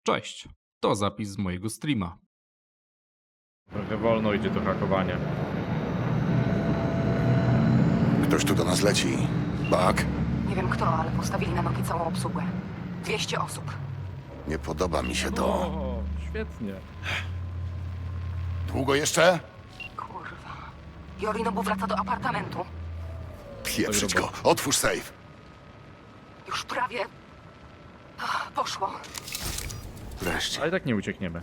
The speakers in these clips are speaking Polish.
Cześć, to zapis z mojego streama. Trochę wolno idzie to hakowanie. Ktoś tu do nas leci. Bak, Nie wiem kto, ale postawili na nogi całą obsługę. 200 osób. nie podoba mi się to. O, świetnie. Długo jeszcze? Kurwa. Yorinobu wraca do apartamentu. Pieprzyć go. Otwórz safe. Już prawie... poszło. Wreszcie. Ale i tak nie uciekniemy.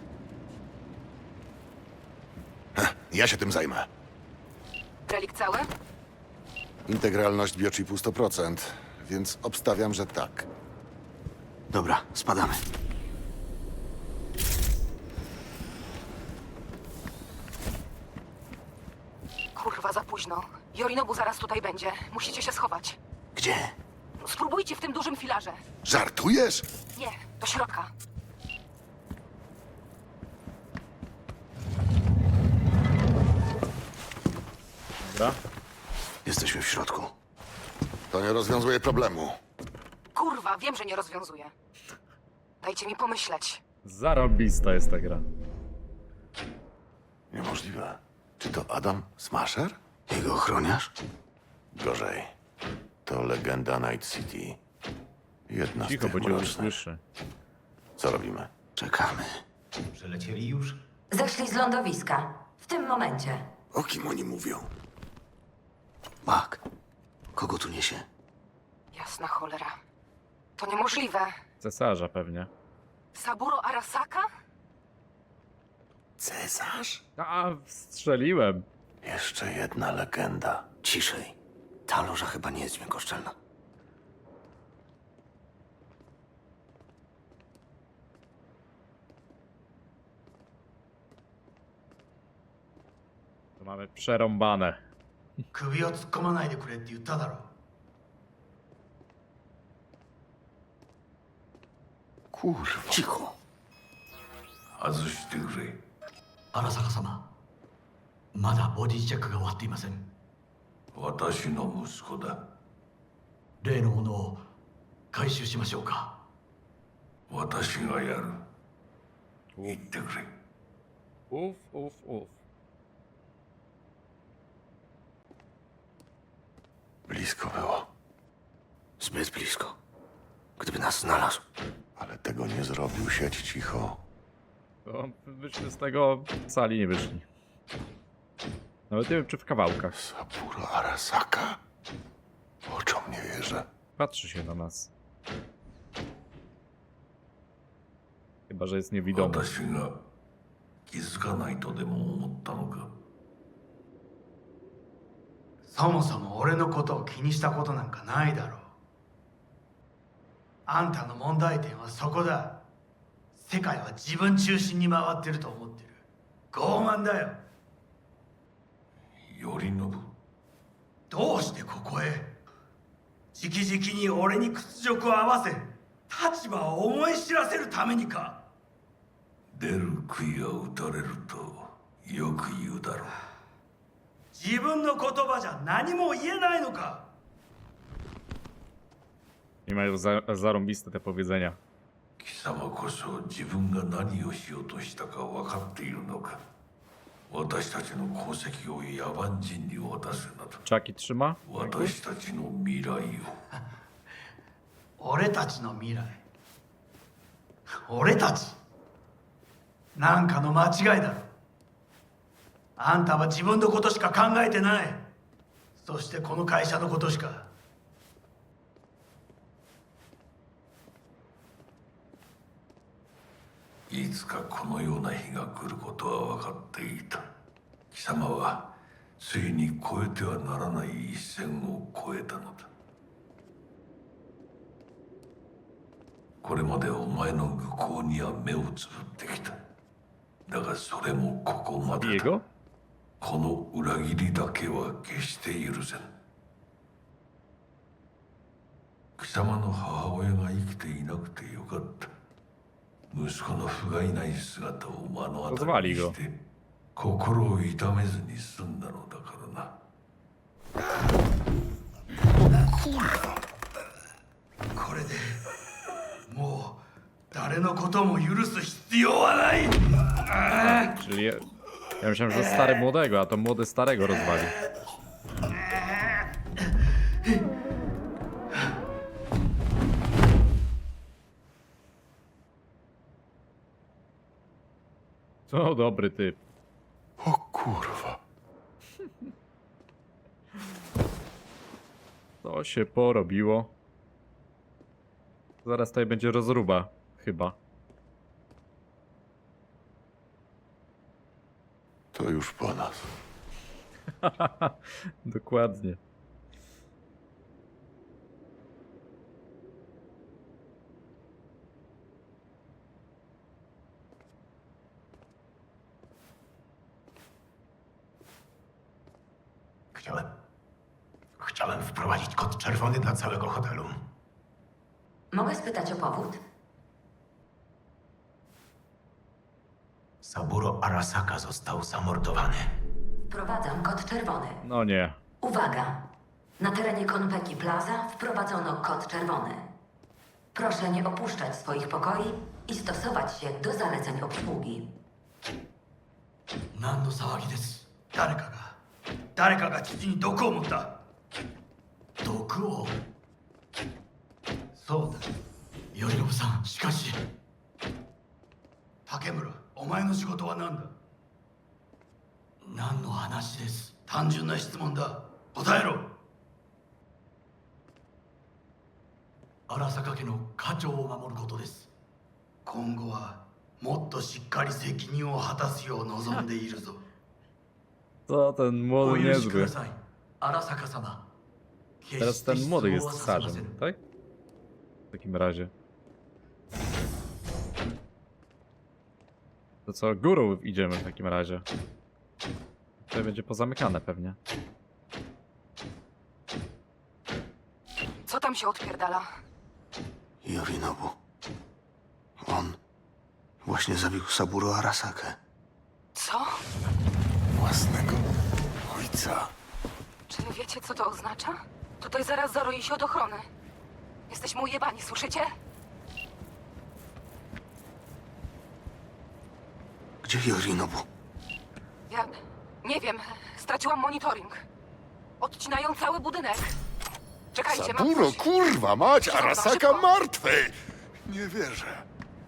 Ja się tym zajmę. Relik cały? Integralność biochipu 100%, więc obstawiam, że tak. Dobra, spadamy. Kurwa, za późno. Yorinobu zaraz tutaj będzie. Musicie się schować. Gdzie? Spróbujcie w tym dużym filarze. Żartujesz? Nie, do środka. Dobra. Jesteśmy w środku. To nie rozwiązuje problemu. Kurwa, wiem, że nie rozwiązuje. Dajcie mi pomyśleć. Zarobista jest ta gra. Niemożliwe. Czy to Adam Smasher? Jego ochroniarz? Gorzej. To legenda Night City. Jedna z Cicho, tych bo cię mrocznych. usłyszy. Co robimy? Czekamy. Przelecieli już? Zeszli z lądowiska. W tym momencie. O kim oni mówią? Bak. Kogo tu niesie? Jasna cholera. To niemożliwe. Cesarza pewnie. Saburo Arasaka? Cesarz? A, strzeliłem. Jeszcze jedna legenda. Ciszej. Ta loża chyba nie jest dźwiękoszczelna. To mamy przerąbane. 首を突っ込まないでくれって言っただろ。 Kurwa. Cicho. 外してくれ。荒坂様、まだボディチェックが終わっていません。私の息子だ。例のものを回収しましょうか。私がやる。言ってくれ。 Uf, uf, uf. Blisko było. Zbyt blisko. Gdyby nas znalazł. Ale tego nie zrobił. Siedź cicho. To byśmy z tego sali nie wyszli. Nawet nie wiem, czy w kawałkach. Saburo Arasaka? Oczom nie wierzę. Patrzy się na nas. Chyba, że jest niewidomy. 私が気づかないとでも思ったのか。そもそも俺のことを気にしたことなんかないだろう。あんたの問題点はそこだ。世界は自分中心に回ってると思ってる。傲慢だよ。頼信、どうしてここへ？直々に俺に屈辱を合わせ、立場を思い知らせるためにか。出る杭は打たれるとよく言うだろう。自分の言葉じゃ何も言えないのか。 Nie mają zarąbiste te powiedzenia. 貴様こそ自分が何をしようとしたか分かっているのか。私たちの功績を野蛮人に渡すなど。 Czaki trzyma? 私たちの未来を。俺たちの未来。俺たち。なんかの間違いだろ。あんたは自分のことしか考えてない。そしてこの会社のことしか。いつかこのような日が来ることは分かっていた。貴様はついに越えてはならない一線を越えたのだ。これまでお前の愚行には目をつぶってきた。だがそれもここまでだ。 Jego? この裏切りだけは決して許せん。貴様の母親が生きていなくてよかった。息子の不甲斐ない姿を目の当たりにして心を痛めずに済んだのだからな。これでもう誰のことも許す必要はない。 Czyli ja myślałem, że stary młodego, a to młody starego rozwali. To dobry typ. O kurwa. To się porobiło. Zaraz tutaj będzie rozruba, chyba. To już po nas. Dokładnie. Chciałem wprowadzić kod czerwony dla całego hotelu. Mogę spytać o powód? Saburo Arasaka został zamordowany. Wprowadzam kod czerwony. No nie. Uwaga! Na terenie Konpeki Plaza wprowadzono kod czerwony. Proszę nie opuszczać swoich pokoi i stosować się do zaleceń obsługi. 何の騒ぎです。誰かが父に毒を持った。毒を。そうだ。頼信さん、しかし。竹村、お前の仕事は何だ。何の話です。単純な質問だ。答えろ。荒坂家の家長を守ることです。今後はもっとしっかり責任を果たすよう望んでいるぞ。 To ten お młody 許しくだ niezły. さい。荒坂様。 Teraz ten młody jest tsarzem, tak? W takim razie. To co, górą idziemy w takim razie. Tutaj będzie pozamykane pewnie. Co tam się odpierdala? Yorinobu. On właśnie zabił Saburo Arasakę. Co? Własnego ojca. Czy wy wiecie, co to oznacza? Tutaj zaraz zaroi się od ochrony. Jesteśmy ujebani, słyszycie? Gdzie Yorinobu? Ja nie wiem. Straciłam monitoring. Odcinają cały budynek. Czekajcie, mam Saburo, coś. kurwa mać, Szybko, Arasaka szybko. martwy! Nie wierzę.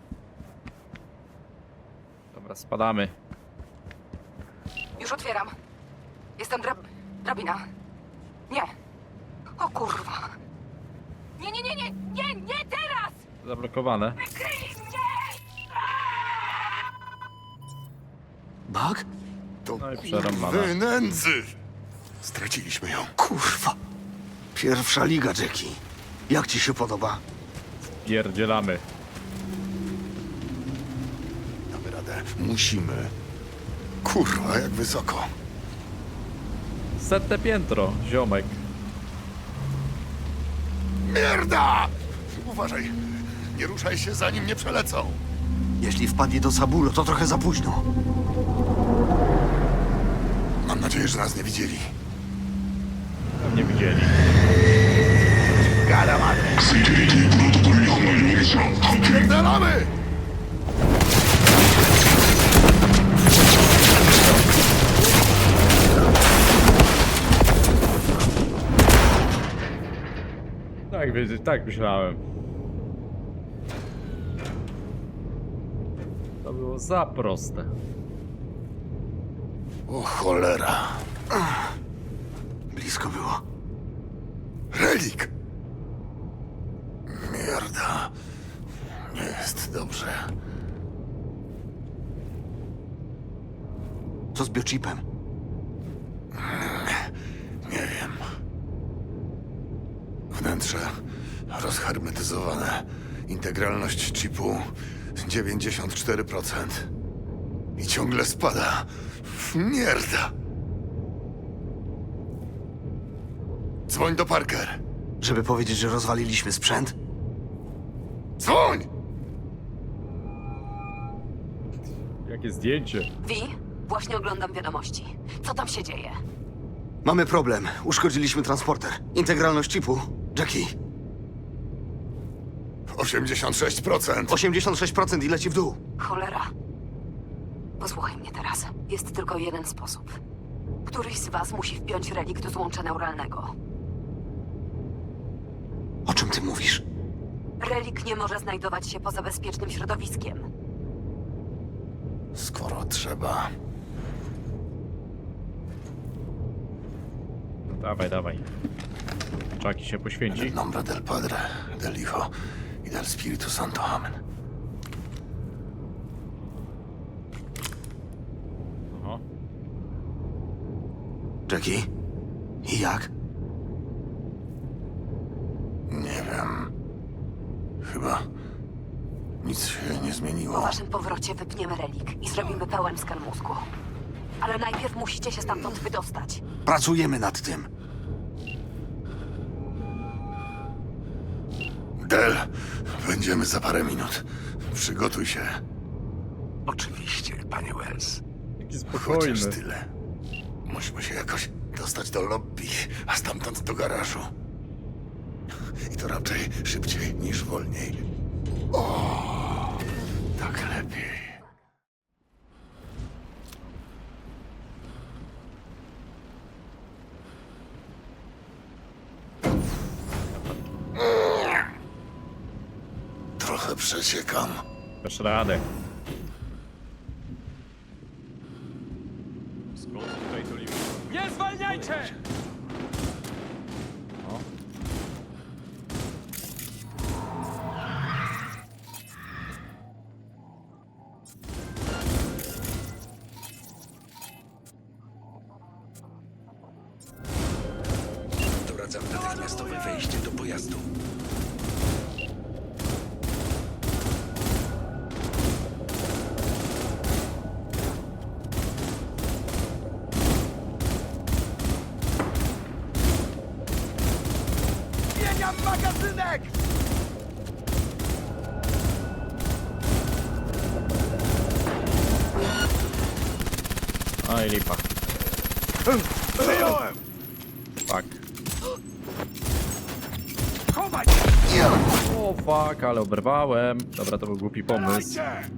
Dobra, spadamy. Już otwieram. Jestem drabina. Nie. O kurwa. Nie teraz! Zablokowane. Bug? To No i przerąbane. kurwy nędzy! Straciliśmy ją. Kurwa. Pierwsza liga, Jackie. Jak ci się podoba? Pierdzielamy. Damy radę. Musimy. Kurwa, jak wysoko. 100 piętro, ziomek. Mierda! Uważaj. Nie ruszaj się, zanim nie przelecą. Jeśli wpadnie do Saburo, to trochę za późno. Mam nadzieję, że nas nie widzieli. Nie widzieli. Gada madre! Pierdalamy! Tak, wiedzieć, tak myślałem. To było za proste. O cholera. Blisko było. Relik! Mierda. Nie jest dobrze. Co z biochipem? Nie wiem. Wnętrze rozhermetyzowane. Integralność chipu 94%. I ciągle spada. Mierda! Dzwoń do Parker. Żeby powiedzieć, że rozwaliliśmy sprzęt? Dzwoń! Jakie zdjęcie. Wi, właśnie oglądam wiadomości. Co tam się dzieje? Mamy problem. Uszkodziliśmy transporter. Integralność chipu. Jackie, 86%. 86% i leci w dół. Cholera. Posłuchaj mnie teraz. Jest tylko jeden sposób. Któryś z was musi wpiąć relik do złącza neuralnego. O czym ty mówisz? Relik nie może znajdować się poza bezpiecznym środowiskiem. Skoro trzeba. No dawaj, dawaj. Chucky się poświęci. Nombre del Padre, del Hijo y del Espíritu Santo. Amen. Oho. Jackie? I jak? Nie wiem. Chyba nic się nie Po zmieniło. waszym powrocie wypniemy relik i zrobimy pełen skan mózgu. Ale najpierw musicie się stamtąd wydostać. Pracujemy nad tym. Del, będziemy za parę minut. Przygotuj się. Oczywiście, panie Wells. Jaki Chociaż spokojny. tyle. Musimy się jakoś dostać do lobby, a stamtąd do garażu. I to raczej szybciej niż wolniej. O, tak lepiej. Trochę przeciekam. Dasz radę. Skąd tutaj to limit? Nie zwalniajcie! O. Doradzam natychmiastowe wejście do pojazdu. Zmieniam magazynek! Aj, lipa. Przyjąłem! Fuck. Chowaj! O fuck, ale oberwałem. Dobra, to był głupi pomysł. Dajcie!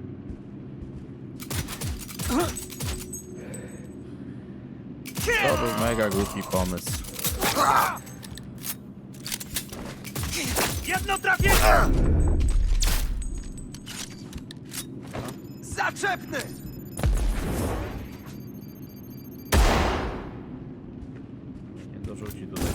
To był mega głupi pomysł. Jedno trafienie! Zaczepny! Nie dorzuci tutaj.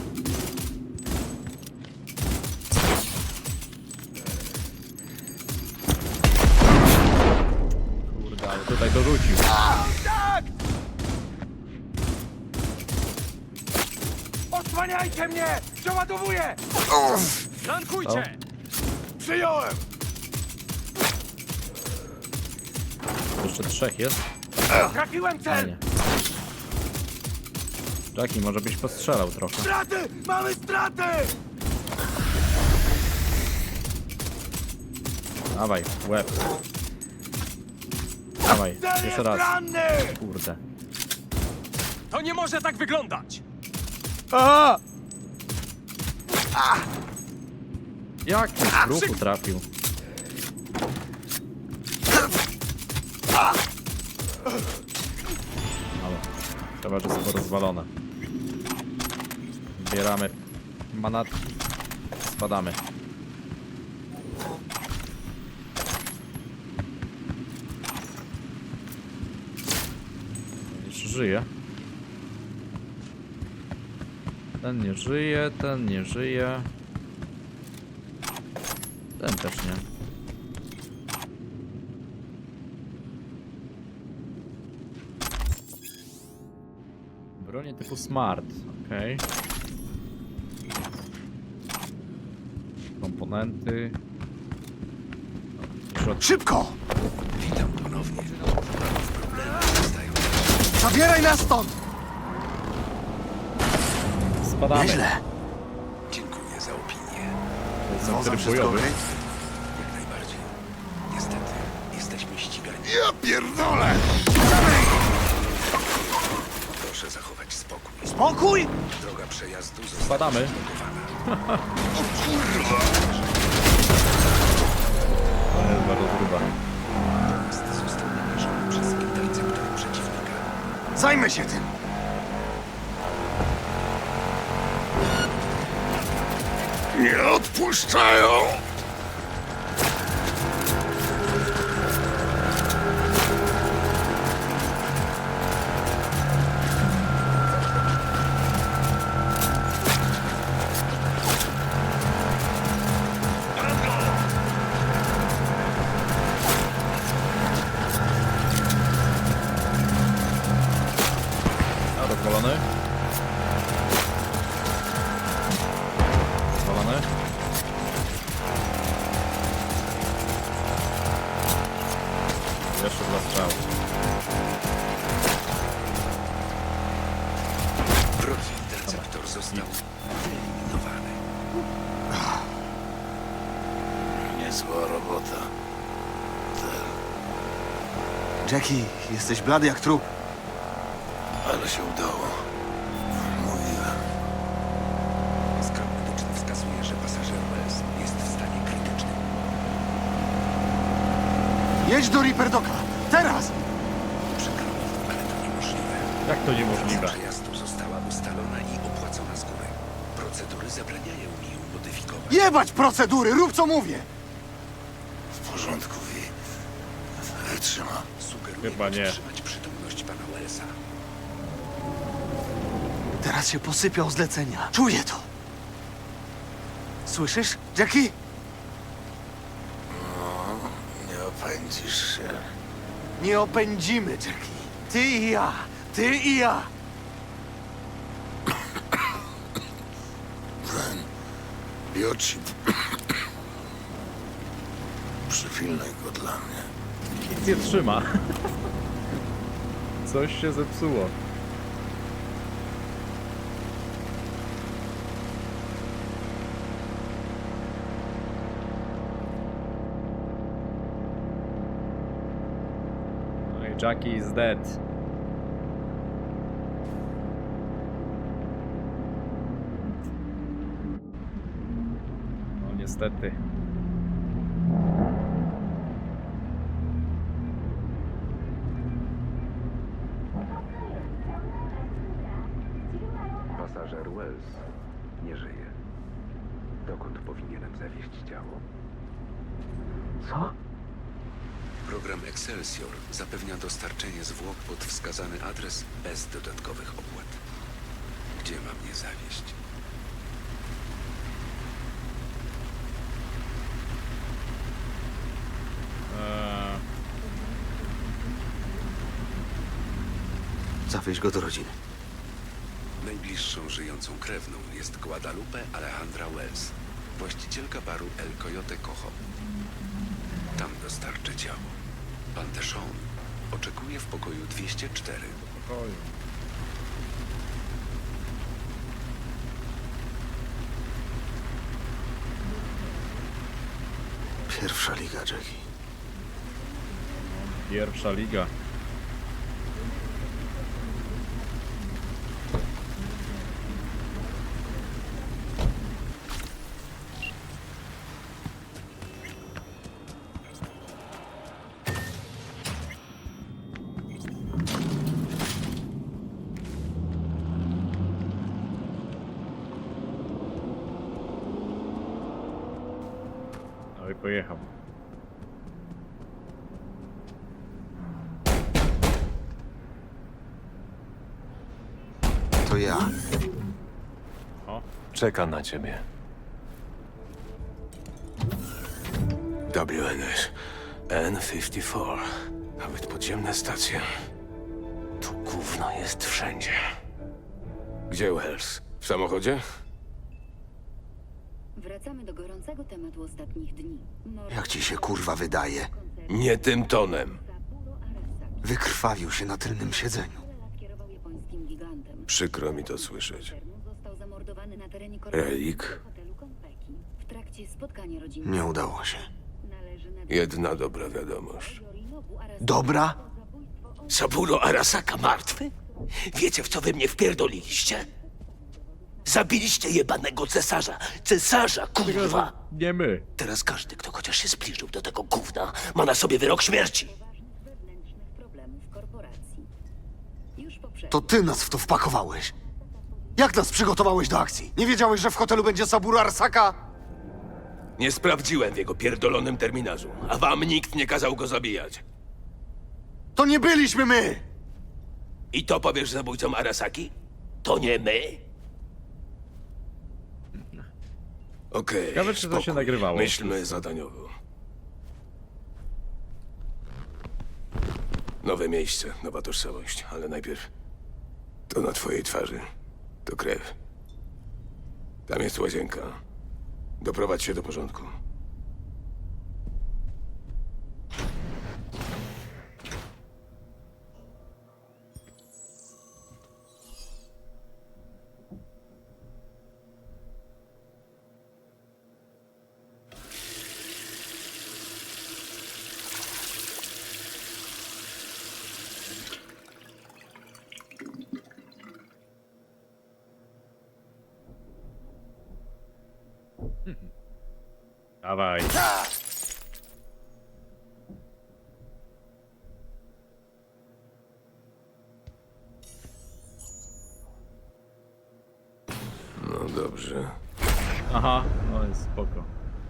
Kurde, ale tutaj dorzucił. Tak! Odsłaniajcie mnie! Przeładowuję! Flankujcie! Przyjąłem! Jeszcze trzech jest? Trafiłem A cel! nie. Jackie, może byś postrzelał trochę. Straty! Mamy straty! Dawaj, łeb. Dawaj, Cel jeszcze jest raz. ranny! Kurde. To nie może tak wyglądać! Jak mi w ruchu trafił? Ale chyba, że jest rozwalone. Zbieramy manatki. Spadamy. Jeszcze żyje. Ten nie żyje, ten nie żyje. Ten też nie. Bronie typu smart, okej. Komponenty. Szybko! Witam ponownie. Zabieraj nas stąd! Spadamy. Nieźle. Dziękuję za opinię. To jest Wozem tryb wszystko bojowy. okej? Jak najbardziej. Niestety, jesteśmy ścigani. Ja pierdolę! Proszę zachować spokój. Spokój! Droga przejazdu została Spadamy. zablokowana. Niezła rozruba. Pojazd został namierzony przez interceptor przeciwnika. Zajmę się tym. Nie odpuszczają! A, rozwalony. Rozwalony. Jeszcze dwa strzały. Wrogi interceptor został wyeliminowany. Niezła robota. Jackie, jesteś blady jak trup. Ale się udało. Mówiłem. Skan medyczny wskazuje, że pasażer Wells jest w stanie krytycznym. Jedź do Ripperdoka. Teraz! Przykro mi, ale to niemożliwe. Jak to niemożliwe? Trasa przejazdu została ustalona i opłacona z góry. Procedury zabraniają mi ją modyfikować. Jebać procedury, rób co mówię! W porządku, Wi. Wytrzyma. Sugeruję Chyba nie. podtrzymać przytomność pana Wellsa. Teraz się posypiał zlecenia. Czuję to. Słyszysz, Jackie? Nie opędzisz się. Nie opędzimy, Jackie. Ty i ja. Ty i ja. Ten biochip. Przypilnaj go dla mnie. Nic nie trzyma. Coś się zepsuło. No i Jackie is dead. No niestety. Pasażer Wells nie żyje. Dokąd powinienem zawieźć ciało? Co? Program Excelsior zapewnia dostarczenie zwłok pod wskazany adres bez dodatkowych opłat. Gdzie mam je zawieźć? Zawieź go do rodziny. Najbliższą żyjącą krewną jest Guadalupe Alejandra Wells, właścicielka baru El Coyote Cojo. Tam dostarczę ciało. Pan Deshawn oczekuje w pokoju 204. Pokoju. Pierwsza liga, Jackie. Pierwsza liga. No i pojechał. To ja. O, Czeka na ciebie. WNS N54. Nawet podziemne stacje. Tu gówno jest wszędzie. Gdzie Wells? W samochodzie? Wracamy do gorącego tematu ostatnich dni. Jak ci się kurwa wydaje? Nie tym tonem. Wykrwawił się na tylnym siedzeniu. Kierował japońskim gigantem. Przykro mi to słyszeć. Został zamordowany na terenie Relik? hotelu Konpeki w trakcie spotkania rodzinnego. Nie udało się. Należy na Jedna dobra wiadomość. Yorinobu Arasaka Dobra? zabójstwo Saburo Arasaka martwy? Wiecie, w co wy mnie wpierdoliliście? Zabiliście jebanego cesarza! Cesarza, kurwa! Nie my. Teraz każdy, kto chociaż się zbliżył do tego gówna, ma na sobie wyrok śmierci! wewnętrznych problemów korporacji. Już poprzednio. To ty nas w to wpakowałeś! Jak nas przygotowałeś do akcji? Nie wiedziałeś, że w hotelu będzie Saburo Arasaka? Nie sprawdziłem w jego pierdolonym terminarzu, a wam nikt nie kazał go zabijać. To nie byliśmy my! I to powiesz zabójcom Arasaki? To nie my? Okej, Ciekawe, czy to się spokój. nagrywało. Myślmy zadaniowo. Nowe miejsce, nowa tożsamość, ale najpierw to na twojej twarzy. To krew. Tam jest łazienka. Doprowadź się do porządku. Dawaj. No dobrze. Aha, no jest spoko.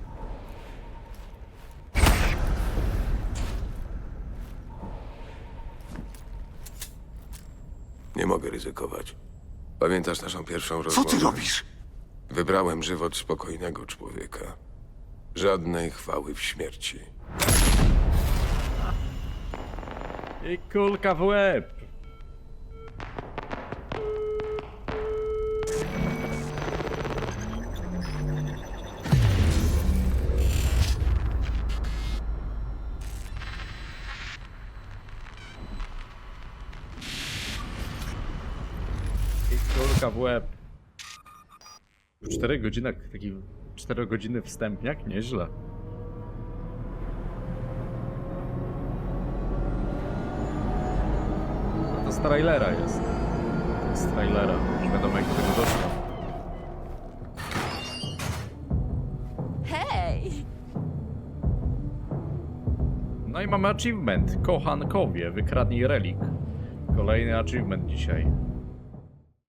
Nie mogę ryzykować. Pamiętasz naszą pierwszą Co rozmowę? ty robisz? Wybrałem żywot spokojnego człowieka. Żadnej chwały w śmierci. I kulka w łeb. I kulka w łeb. W 4 godzinach, taki 4 godziny wstępniak? Nieźle. No to z trailera jest. To jest z trailera. Już wiadomo jak do tego doszło. Hej! No i mamy achievement. Kochankowie, wykradnij relik. Kolejny achievement dzisiaj.